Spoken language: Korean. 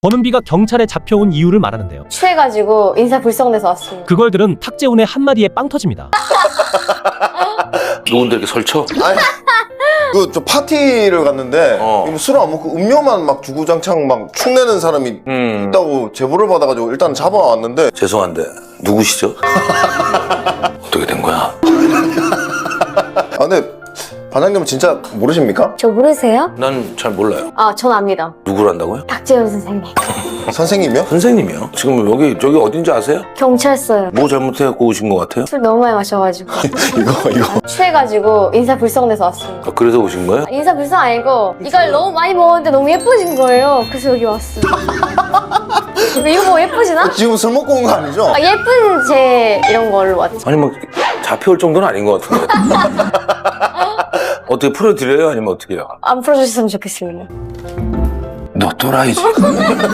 권은비가 경찰에 잡혀온 이유를 말하는데요. 취해가지고 인사불성내서 왔습니다. 그걸 들은 탁재훈의 한마디에 빵 터집니다. 누군데 이렇게 설쳐? 아니, 저 파티를 갔는데 술을 안 먹고 음료만 막 주구장창 막 축내는 사람이 있다고 제보를 받아가지고 일단 잡아왔는데. 죄송한데 누구시죠? 어떻게 된 거야? 아 근데 반장님은 진짜 모르십니까? 저 모르세요? 난 잘 몰라요. 아, 전 압니다. 누구란다고요? 탁재훈 선생님. 선생님이요? 선생님이요? 지금 저기 어딘지 아세요? 경찰서요. 뭐 잘못해갖고 오신 것 같아요? 술 너무 많이 마셔가지고. 이거 취해가지고 인사불성내서 왔습니다. 아, 그래서 오신 거예요? 인사불성 아니고 이걸 너무 많이 먹었는데 너무 예뻐진 거예요. 그래서 여기 왔어요. 이거 뭐 예쁘지나? 지금 술 먹고 온 거 아니죠? 아, 예쁜 제 이런 걸로 왔죠. 아니 뭐 잡혀올 정도는 아닌 것 같은데. 어떻게 풀어드려요? 아니면 어떻게 해요? 안 풀어주셨으면 좋겠습니다. 너 또라이지.